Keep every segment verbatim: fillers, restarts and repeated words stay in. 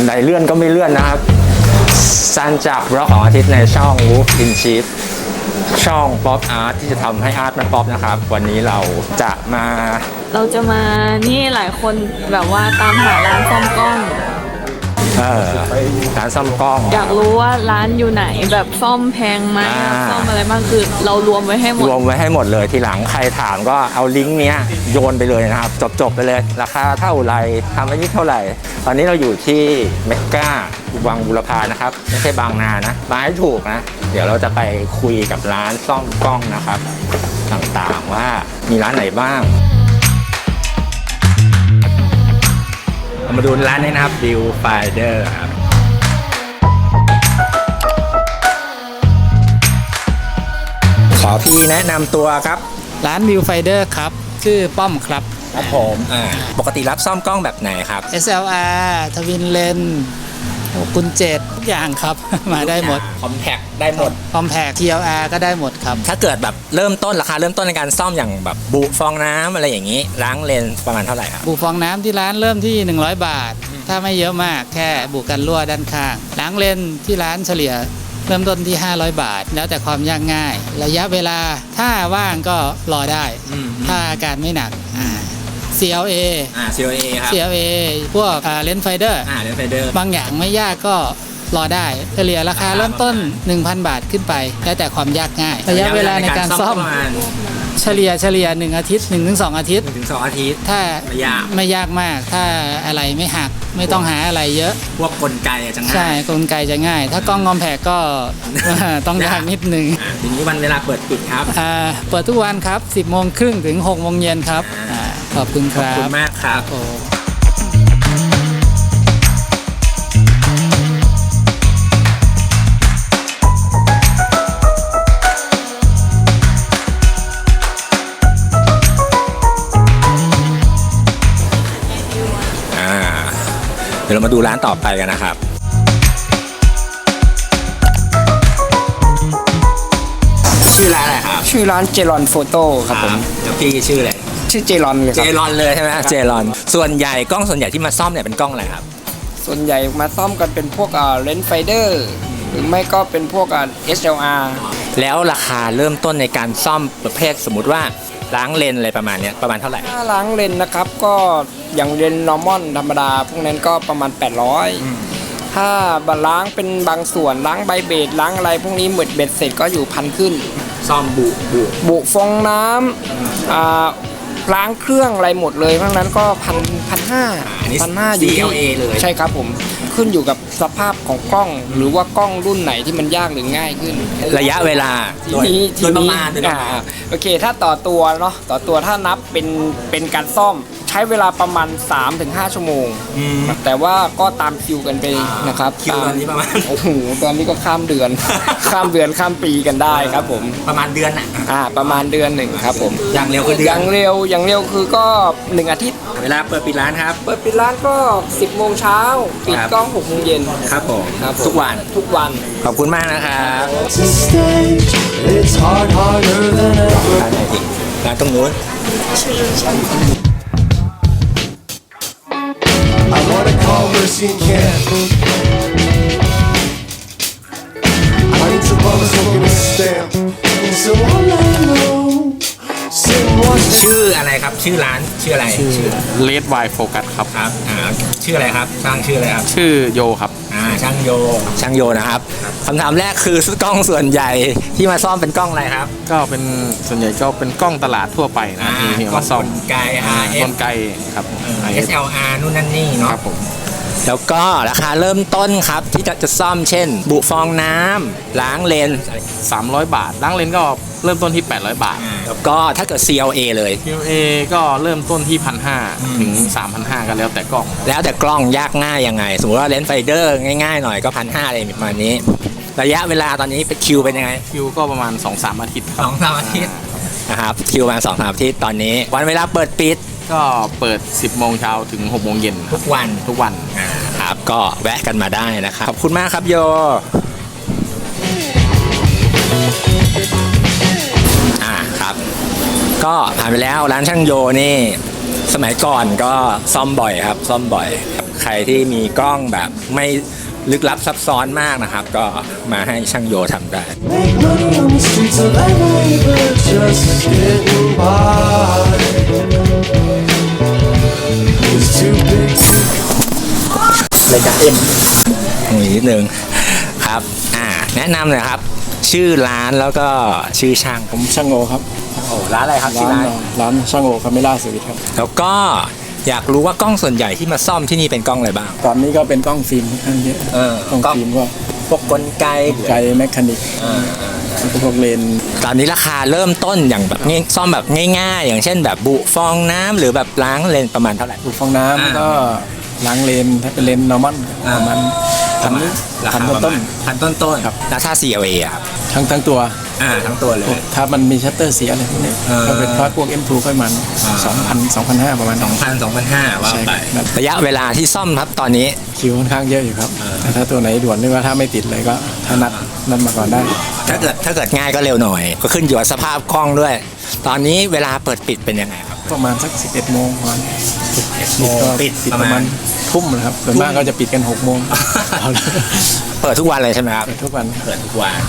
ดเลื่อนก็ไม่เลื่อนนะครับซันจากบล็อกของอาทิตย์ในช่อง Wolf in Chief ช่องป๊อปอาร์ตที่จะทำให้อาร์ตมันป๊อปนะครับวันนี้เราจะมาเราจะมานี่หลายคนแบบว่าตามหาร้านซ่อมกล้องเออร้านซ่อมกล้องอยากรู้ว่าร้านอยู่ไหนแบบซ่อมแพงไหมซ่อมอะไรบ้างคือเรารวมไว้ให้หมดรวมไว้ให้หมดเลยทีหลังใครถามก็เอาลิงก์เนี้ยโยนไปเลยนะครับจบๆไปเลยราคาเท่าไหร่ทำไว้นี่เท่าไหร่ตอนนี้เราอยู่ที่เมกาวังบุรพานะครับไม่ใช่บางนานะมาให้ถูกนะเดี๋ยวเราจะไปคุยกับร้านซ่อมกล้องนะครับต่างๆว่ามีร้านไหนบ้างมาดูร้านนี้นะครับ Viewfinder ครับขอพี่แนะนำตัวครับร้าน Viewfinder ครับชื่อป้อมครับครับผมอ่าปกติรับซ่อมกล้องแบบไหนครับเอส แอล อาร์ ทวินเลนกุญเจ็ดทุกอย่างครับมาได้หมดคอมแพคได้หมดคอมแพค ที แอล อาร์ ก็ได้หมดครับถ้าเกิดแบบเริ่มต้นราคาเริ่มต้นในการซ่อมอย่างแบบบุฟองน้ำอะไรอย่างนี้ล้างเลนประมาณเท่าไหร่ครับบุฟองน้ำที่ร้านเริ่มที่หนึ่งร้อยบาทถ้าไม่เยอะมากแค่บุกันรั่วด้านข้างล้างเลนที่ร้านเฉลี่ยเริ่มต้นที่ห้าร้อยบาทแล้วแต่ความยากง่ายระยะเวลาถ้าว่างก็รอได้ถ้าอาการไม่หนัก ซี แอล เออ่า ซี แอล เอ ครับซี แอล เอ พวกเลนส์ไฟเดอร์อ่าเลนส์ไฟเดอร์บางอย่างไม่ยากก็รอได้เฉลี่ยราคาเริ่มต้น หนึ่งพัน บาทขึ้นไปแล้วแต่ความยากง่ายระยะเวลาในการซ่อมเฉลี่ยเฉลี่ยหนึ่งอาทิตย์ หนึ่งถึงสอง อาทิตย์ถึงสองอาทิตย์ถ้าไม่ยากไม่ยากมากถ้าอะไรไม่หักไม่ต้องหาอะไรเยอะพวกกลไกจะง่ายใช่กลไกจะง่ายถ้ากล้องงอมแผกก็ต้องยากนิดนึงทีนี้วันเวลาเปิดปิดครับเปิดทุกวันครับ สิบโมงครึ่งถึงหกโมงเย็นครับขอบคุณครับขอบคุณมากครับเดี๋ยวเรามาดูร้านต่อไปกันนะครับชื่อร้านอะไรครับชื่อร้านเจรอนโฟโต้ครับผมแล้วพี่ชื่ออะไรชื่อเจรอนเลยเจรอนเลยใช่ไหมเจรอนส่วนใหญ่กล้องส่วนใหญ่ที่มาซ่อมเนี่ยเป็นกล้องอะไรครับส่วนใหญ่มาซ่อมกันเป็นพวกเลนส์ไฟเดอร์หรือไม่ก็เป็นพวก เอส แอล อาร์แล้วราคาเริ่มต้นในการซ่อมประเภทสมมุติว่าล้างเลนอะไรประมาณนี้ประมาณเท่าไหร่ถ้าล้างเลนนะครับก็อย่างเลนนอร์มอนธรรมดาพวกนั้นก็ประมาณแปดร้อยถ้าล้างเป็นบางส่วนล้างใบเบสล้างอะไรพวกนี้หมดเบ็ดเสร็จก็อยู่พันขึ้นซ่อมบุบุบุฟองน้ำอ่าล้างเครื่องอะไรหมดเลยเพราะนั้นก็พันพันห้าพันห้าอยู่ที่ซี แอล เอ เลยใช่ครับผมขึ้นอยู่กับสภาพของกล้องหรือว่ากล้องรุ่นไหนที่มันยากหรือง่ายขึ้นระยะเวลาทีนี้ทีนี้อ่าโอเคถ้าต่อตัวเนาะต่อตัวถ้านับเป็นเป็นการซ่อมใช้เวลาประมาณ สามถึงห้า ชั่วโมงแต่ว่าก็ตามคิวกันไปนะครับคิวตอนนี้ประมาณโอ้โหตอนนี้ก็ข้ามเดือนข้ามเดือนข้ามปีกันได้ครับผมประมาณเดือนอ่ะอ่าประมาณเดือนหนึ่งครับผมอย่างเร็วคือเดือนอย่างเร็วอย่างเร็วคือก็หนึ่งอาทิตย์เวลาเปิดปิดร้านครับเปิดปิดร้านก็สิบโมงเช้าปิดกล้องหกโมงเย็นครับผมทุกวันทุกวันขอบคุณมากนะครับร้านตรงนู้นI wanna call Mercy and Ken. I need some bubbles smoking a stamp. So all I know, sitting watching. ชื่ออะไรครับชื่อร้านชื่ออะไรชื่อ Red Wine Focus ครับครับอ่าชื่ออะไรครับช่างชื่ออะไรครับชื่อโยครับอ่าช่างโยช่างโยนะครับคำถามแรกคือกล้องส่วนใหญ่ที่มาซ่อมเป็นกล้องอะไรครับก็เป็นส่วนใหญ่ก็เป็นกล้องตลาดทั่วไปนะที่มาซ่อมกลไก อาร์ เอฟกลไกครับเอส แอล อาร์ นู่นนั่นนี่เนาะครับผมแล้วก็ราคาเริ่มต้นครับที่จะจะซ่อมเช่นบุฟองน้ำล้างเลนสามร้อยบาทล้างเลนก็เริ่มต้นที่แปดร้อยบาทแล้วก็ถ้าเกิด ซี แอล เอ เลยซี แอล เอ ก็เริ่มต้นที่ หนึ่งพันห้าร้อย ถึง สามพันห้าร้อย กันแล้วแต่กล้องแล้วแต่กล้องยากง่ายยังไงสมมติว่าเลนส์ไฟเดอร์ง่ายๆหน่อยก็ หนึ่งพันห้าร้อย อะไรประมาณนี้ระยะเวลาตอนนี้เป็นคิวเป็นยังไงคิวก็ประมาณ สองถึงสาม อาทิตย์สองถึงสาม อาทิตย์นะครับคิวประมาณ สองถึงสาม อาทิตย์ตอนนี้วันเวลาเปิดปิดก็เปิด สิบโมงเช้าถึงหกโมงเย็นทุกวันทุกวันครับก็แวะกันมาได้นะครับขอบคุณมากครับโยอ่าครับก็ผ่านไปแล้วร้านช่างโยนี่สมัยก่อนก็ซ่อมบ่อยครับซ่อมบ่อยใครที่มีกล้องแบบไม่ลึกลับซับซ้อนมากนะครับ ก็มาให้ช่างโยทำได้ Make money on the streets of L A, but just getting by. It's too big to รายการเอ็มนิดนึงครับอ่าแนะนำเลยครับ ชื่อร้านแล้วก็ชื่อช่างผมช่างโอครับโอ้ร้านอะไรครับชื่อร้านร้านร้านช่างโอคาเมล่าสวิตครับแล้วก็อยากรู้ว่ากล้องส่วนใหญ่ที่มาซ่อมที่นี่เป็นกล้องอะไรบ้างตอนนี้ก็เป็นกล้องฟิล์มค่อนข้างเยอะเออกล้องกล้องฟิล์มก็พวกกลไกไกลแมคคานิกพวกเลนส์ตอนนี้ราคาเริ่มต้นอย่างแบบง่ายซ่อมแบบง่ายๆ อย่างเช่นแบบบุฟองน้ำหรือแบบล้างเลนประมาณเท่าไหร่อุดฟองน้อ่าำก็ล้างเลนถ้าเป็นเลนนอร์มอนประมาณพันราพัคาน ประต้มาน ณพันต้นต้นๆครับแล้วถ้า ซี แอล เอ อะครับๆทั้งทั้งตัวอ่าทั้งตัวเลยถ้ามันมีชัตเตอร์เสียอะไรพวกนี้เออก็เป็นพาร์ทพวก เอ็ม ทู ค่อยมันอ่าสองพัน สองพันห้าประมาณสองพันสองพันห้าว่าใช่ไปครับระยะเวลาที่ซ่อมครับตอนนี้คิวค่อนข้างเยอะอยู่ครับแต่ถ้าตัวไหนด่วนหรือว่าถ้าไม่ติดเลยก็ถ้านัดนัดมาก่อนได้ถ้าเกิดถ้าเกิดง่ายก็เร็วหน่อย ก็ขึ้นอยู่กับสภาพกล้องด้วย ตอนนี้เวลาเปิดปิดเป็นยังไงครับประมาณสักสิบเอ็ดโมงประมาณโมงก็ปิดปิดปประ ระมามาณณทุ่มนะครับส่วนมากก็จะปิดกันหกโมงเอาละเปิดทุกวันเลยใช่ไหมครับเปิดทุกวันเปิดทุกวัน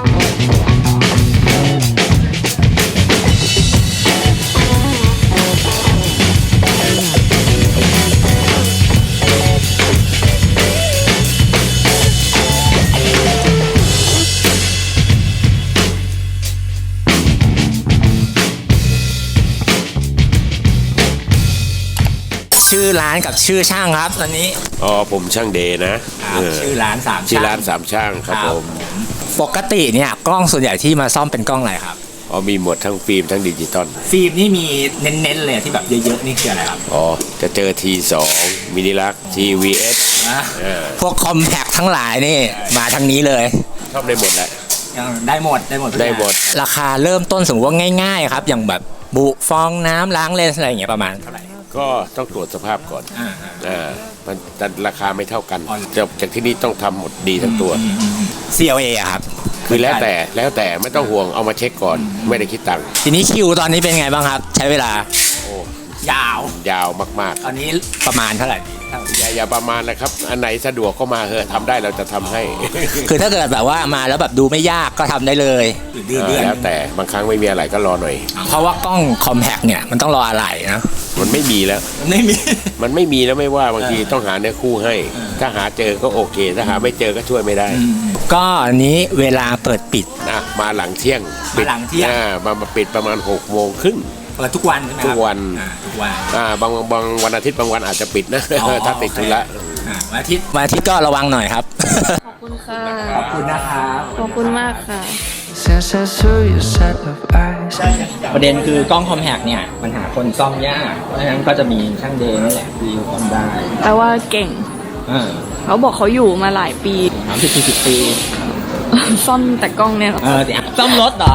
ชื่อร้านกับชื่อช่างครับตอนนี้อ๋อผมช่างเดย์นะเออชื่อร้านสามชื่อช่างร้านสามช่างครับผมปกติเนี่ยกล้องส่วนใหญ่ที่มาซ่อมเป็นกล้องอะไรครับอ๋อมีหมดทั้งฟิล์มทั้งดิจิตอลฟิล์มนี่มีเน้นๆเลยที่แบบเยอะๆนี่คืออะไรครับอ๋อจะเจอ ที สอง มินิลัก ที วี เอส เออพวกคอมแพคทั้งหลายนี่มาทางนี้เลยชอบได้หมดแหละได้หมดได้หมดทุกได้หมดอย่างราคาเริ่มต้นสมมติว่าง่ายๆครับ อย่างแบบบุฟองน้ำล้างเลนส์อะไรอย่างเงี้ยประมาณเท่าไหร่ก็ต้องตรวจสภาพก่อนอ่าอ่ามันแต่ราคาไม่เท่ากันอ๋อจากจากที่นี่ต้องทำหมดดีทั้งตัวซี แอล เอ อะครับคือแล้วแต่แล้วแต่ไม่ต้องห่วงเอามาเช็คก่อน ไม่ได้คิดตังค์ทีนี้คิวตอนนี้เป็นไงบ้างครับ ใช้เวลาโอ้ยาวยาวมากตอนนี้ประมาณเท่าไหร่ๆอย่าอย่าประมาณนะครับ อันไหนสะดวกก็มาเถอะทำได้เราจะทำให้คือถ้าเกิดแบบว่ามาแล้วแบบดูไม่ยากก็ทำได้เลยเดือนเออแล้วแต่บางครั้งไม่มีอะไรก็รอหน่อยเพราะว่ากล้องคอมแพคเนี่ยมันต้องรออะไรนะมันไม่มีแล้วไม่มีมันไม่มีแล้วไม่ว่าบางทีต้องหาเนื้อคู่ให้ ถ้าหาเจอก็โอเค ถ้าหาไม่เจอก็ช่วยไม่ได้ก็อันนี้เวลาเปิดปิดนะมาหลังเที่ยงมาหลังเที่ยงอ่ามามาปิดประมาณหกโมงครึ่งเปิดทุกวันใช่ไหมครับทุกวันอ่าทุกวันอ่าบางบางวันอาทิตย์บางวันอาจจะปิดนะอ๋อถ้าติดธุระอ่าวันอาทิตย์วันอาทิตย์ก็ระวังหน่อยครับขอบคุณค่ะขอบคุณนะครับขอบคุณมากค่ะ Since I saw your set of eyes. ประเด็นคือกล้องคอมแพคเนี่ยมันหาคนซ่อมยาก เพราะฉะนั้นก็จะมีช่างเดย์นี่แหละที่ซ่อมได้แปลว่าเก่งอ่าเขาบอกเขาอยู่มาหลายปีสามสิบสี่สิบปีซ่อมแต่กล้องเนี่ยเหรอเออเดี๋ยวซ่อมรถเหรอ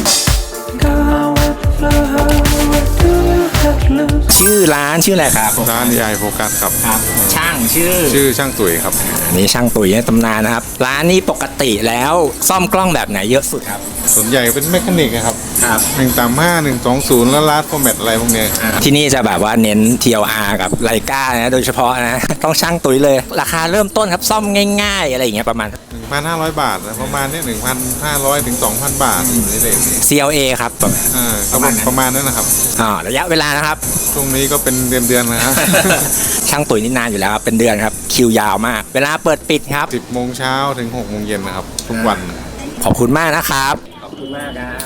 Go with the flow. What do you have to lose? ชื่อร้านชื่ออะไรครับร้านไอโฟกัสครับครับ ช่างชื่อชื่อช่างตุ๋ยครับอันนี้ช่างตุ๋ยในตำนานนะครับ ร้านนี้ปกติแล้วซ่อมกล้องแบบไหนเยอะสุดครับส่วนใหญ่เป็นแมคานิกอะครับครับหนึ่งสามห้าหนึ่งสองศูนย์แล้วลาดฟอร์แมตอะไรพวกเนี้ยที่นี่จะแบบว่าเน้น ที แอล อาร์ กับไลกานะโดยเฉพาะนะ ต้องช่างตุ๋ยเลย ราคาเริ่มต้นครับซ่อมง่ายๆ อะไรอย่างเงี้ยประมาณหนึ่งพันห้าร้อยบาทนะประมาณเนี้หนึ่งพันห้าร้อยถึงสองพันบาทในเลทนี้ซี แอล เอ ครับแบบอ่าก็ประมาณนั้นประมาณนั้นนะครับอ่าระยะเวลานะครับช่วงนี้ก็เป็นเดือนๆนะครับช่างตุ๋ยนี่นานอยู่แล้วครับเป็นเดือนครับคิวยาวมาก เวลาเปิดปิดครับสิบโมงเช้าถึงหกโมงเย็นนะครับ ทุกวันขอบคุณมากนะครับ ขอบคุณมากครับ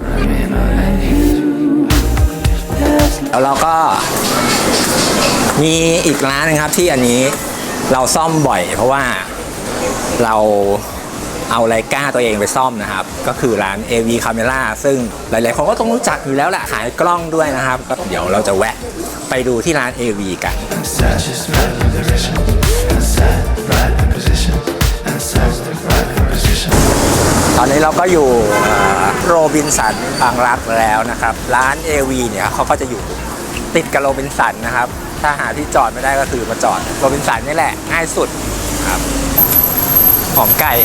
แล้วเราก็มีอีกร้านนึงครับที่อันนี้เราซ่อมบ่อย เพราะว่าเราเอาไลกาตัวเองไปซ่อมนะครับ ก็คือร้าน เอ วี Camera ซึ่งหลายๆคนก็ต้องรู้จักอยู่แล้วแหละขายกล้องด้วยนะครับก็เดี๋ยวเราจะแวะไปดูที่ร้าน เอ วี กัน Inside just right in position. Inside right in position. Inside right in position. ตอนนี้เราก็อยู่โรบินสันบางรักแล้วนะครับ ร้าน เอ วี เนี่ยเขาก็จะอยู่ติดกับโรบินสันนะครับ ถ้าหาที่จอดไม่ได้ก็คือมาจอดโรบินสันนี่แหละง่ายสุดครับหอมไก่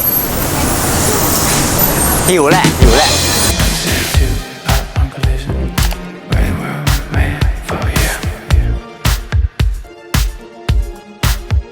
หิวแหละหิวแหละ Up on collision. We were made for you.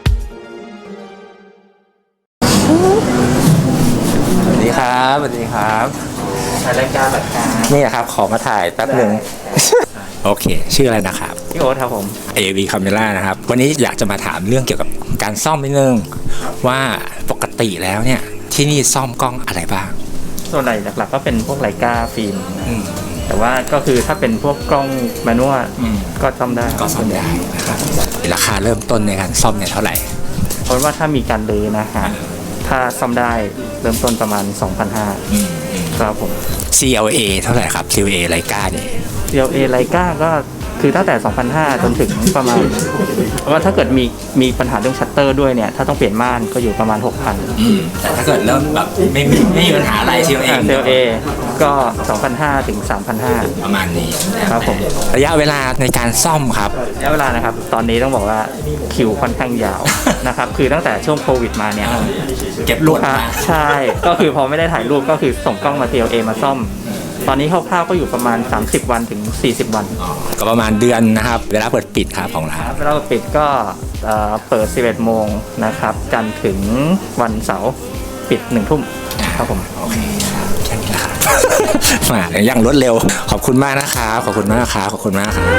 รายการรายการนี่ครับขอมาถ่ายแป๊บหนึ่ง โอเค ชื่ออะไรนะครับพี่โอ๊ตครับผมเอ วี Camera นะครับวันนี้อยากจะมาถามเรื่องเกี่ยวกับการซ่อมนิดนึงว่าปกติแล้วเนี่ยที่นี่ซ่อมกล้องอะไรบ้างส่วนใหญ่หลักๆก็เป็นพวกไลกาฟิล์มแต่ว่าก็คือถ้าเป็นพวกกล้องแมนนวลก็ซ่อมได้ก็ซ่อมได้นะครับราคาเริ่มต้นในการซ่อมเนี่ยเท่าไหร่เพราะว่าถ้ามีการรื้อนะฮะถ้าซ่อมได้เริ่มต้นประมาณ สองพันห้าร้อย ครับผมซี แอล เอ เท่าไหร่ครับ ซี แอล เอ ไลกาเนี่ยซี แอล เอ ไลกาก็คือตั้งแต่ สองพันห้าร้อย จนถึงประมาณเพราะว่าถ้าเกิดมีมีปัญหาเรื่องชัตเตอร์ด้วยเนี่ยถ้าต้องเปลี่ยนม่านก็อยู่ประมาณ หกพันแต่ถ้าเกิดเริ่มแบบไม่มีไม่มีปัญหาอะไร ซี แอล เอซี แอล เอ ก็ สองพันห้าร้อย ถึง สามพันห้าร้อยประมาณนี้ครับผมระยะเวลาในการซ่อมครับระยะเวลานะครับตอนนี้ต้องบอกว่าคิวค่อนข้างยาว นะครับคือตั้งแต่ช่วงโควิดมาเนี่ยเก็บลูลูกกค้ามาใช่ก็คือพอไม่ได้ถ่ายรูปก็คือส่งกล้องมา ซี แอล เอ มาซ่อม ตอนนี้คร่าวๆก็อยู่ประมาณ สามสิบ วันถึง สี่สิบ วันก็ประมาณเดือนนะครับ เวลาเปิดปิดครับของร้านเวลาปิดก็เอ่อเปิด สิบเอ็ด โมงนะครับจันทร์ถึงวันเสาร์ปิดหนึ่งทุ่มครับผมโอเคครับแค่นี้แหละครับ มาอย่างรวดเร็วขอบคุณมากนะครับขอบคุณมากครับขอบคุณมากครับ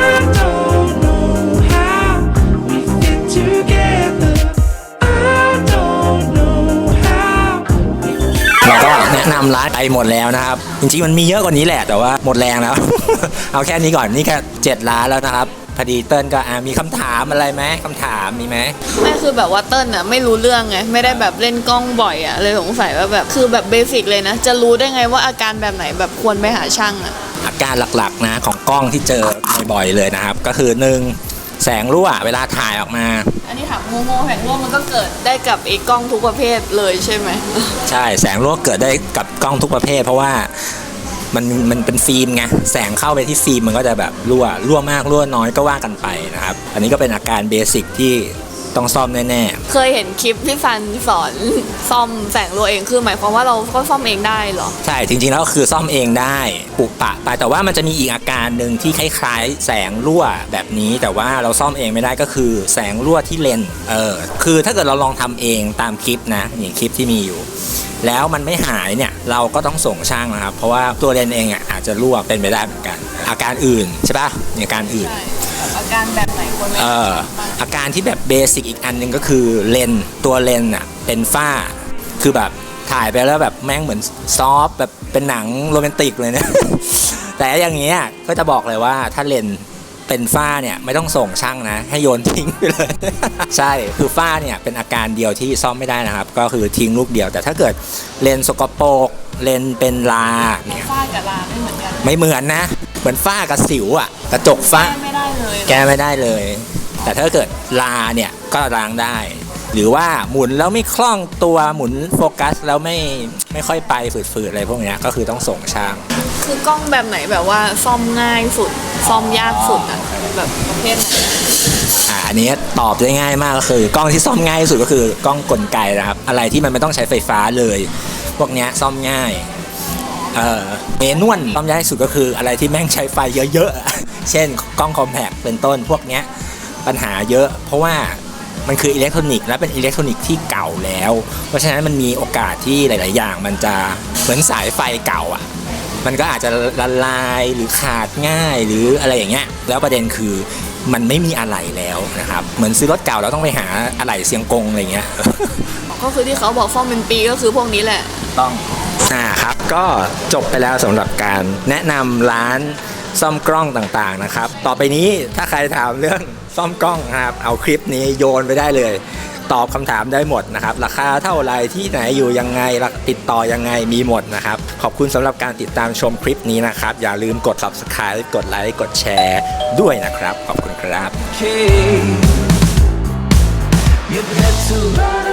เราก็แนะนำร้านไปหมดแล้วนะครับจริงๆมันมีเยอะกว่านี้แหละแต่ว่าหมดแรงแล้ว เอาแค่นี้ก่อนนี่แค่เจ็ดร้านแล้วนะครับพอดีเติ้ลก็อ่ะมีคำถามอะไรไหมคำถามมีไหมไม่คือแบบว่าเติ้ลอะไม่รู้เรื่องไงไม่ได้แบบเล่นกล้องบ่อยอะเลยสงสัยว่าแบบคือแบบเบสิกเลยนะจะรู้ได้ไงว่าอาการแบบไหนแบบควรไปหาช่างอะอาการหลักๆนะของกล้องที่เจอบ่อยๆเลยนะครับก็คือหนึ่งแสงรั่วเวลาถ่ายออกมาอันนี้ถามโง่ๆแสงรั่วมันก็เกิดได้กับไอ้กล้องทุกประเภทเลยใช่ไหมใช่แสงรั่วเกิดได้กับกล้องทุกประเภท เพราะว่ามันมันเป็นฟิล์มไงแสงเข้าไปที่ฟิล์มมันก็จะแบบรั่วรั่วมากรั่วน้อยก็ว่ากันไปนะครับอันนี้ก็เป็นอาการเบสิกที่ต้องซ่อมแน่ๆเคยเห็นคลิปพี่ฟันสอนซ่อมแสงรั่วเองคือหมายความว่าเราก็ซ่อมเองได้เหรอใช่จริงๆแล้วก็คือซ่อมเองได้ปุกปะไปแต่ว่ามันจะมีอีกอาการหนึ่งที่คล้ายๆแสงรั่วแบบนี้แต่ว่าเราซ่อมเองไม่ได้ก็คือแสงรั่วที่เลนส์เออคือถ้าเกิดเราลองทำเองตามคลิปนะอย่างคลิปที่มีอยู่แล้วมันไม่หายเนี่ยเราก็ต้องส่งช่างนะครับเพราะว่าตัวเลนส์เองอ่ะอาจจะรั่วเป็นไปได้เหมือนกันอาการอื่นใช่ปะอาการอื่นอาการแบบไหนคนไม่เอออาการที่แบบเบสิกอีกอันหนึ่งก็คือเลนส์ตัวเลนส์อ่ะเป็นฝ้าคือแบบถ่ายไปแล้วแบบแม่งเหมือนซอฟแบบเป็นหนังโรแมนติกเลยเนี่ย แต่อย่างเงี้ยก็จะบอกเลยว่าถ้าเลนส์เป็นฝ้าเนี่ยไม่ต้องส่งช่างนะให้โยนทิ้งไปเลย ใช่คือฝ้าเนี่ยเป็นอาการเดียวที่ซ่อมไม่ได้นะครับก็คือทิ้งลูกเดียวแต่ถ้าเกิดเลนส์สกปรกเลนส์เป็นลาเนี่ยฝ้ากับลาไม่เหมือนกันไม่เหมือนนะเหมือนฝ้ากับสิวอ่ะกระจกฝ้าแก้ไม่ได้เลยแก้ไม่ได้เลย แต่ถ้าเกิดลาเนี่ยก็ล้างได้ หรือว่าหมุนแล้วไม่คล่องตัวหมุนโฟกัสแล้วไม่ไม่ค่อยไปฝืดๆอะไรพวกเนี้ยก็คือต้องส่งช่างคือกล้องแบบไหนแบบว่าซ่อมง่ายสุดซ่อมยากสุดอะแบบประเภทไหนอ่าอันนี้ตอบได้ง่ายมากก็คือกล้องที่ซ่อมง่ายที่สุดก็คือกล้องกลไกนะครับอะไรที่มันไม่ต้องใช้ไฟฟ้าเลย พวกเนี้ยซ่อมง่ายเอ่อเมนวลซ่อมยากที่สุดก็คืออะไรที่แม่งใช้ไฟเยอะๆ เช่นกล้องคอมแพคเป็นต้นพวกเนี้ยปัญหาเยอะเพราะว่ามันคืออิเล็กทรอนิกส์และเป็นอิเล็กทรอนิกส์ที่เก่าแล้วเพราะฉะนั้นมันมีโอกาสที่หลายๆอย่างมันจะเหมือนสายไฟเก่าอ่ะมันก็อาจจะละลายหรือขาดง่ายหรืออะไรอย่างเงี้ยแล้วประเด็นคือมันไม่มีอะไหล่แล้วนะครับเหมือนซื้อรถเก่าเราต้องไปหาอะไหล่เซียงกงอะไรเงี้ยก็คือที่เขาบอกซ่อมเป็นปีก็คือพวกนี้แหละต้องอ่าครับก็จบไปแล้วสำหรับการแนะนำร้านซ่อมกล้องต่างๆนะครับต่อไปนี้ถ้าใครถามเรื่องซ่อมกล้องนะครับเอาคลิปนี้โยนไปได้เลยตอบคำถามได้หมดนะครับราคาเท่าไหร่ที่ไหนอยู่ยังไงติดต่อยังไงมีหมดนะครับขอบคุณสำหรับการติดตามชมคลิปนี้นะครับอย่าลืมกด ซับสไครบ์ กดไลค์กดแชร์ด้วยนะครับขอบคุณครับ You've had to run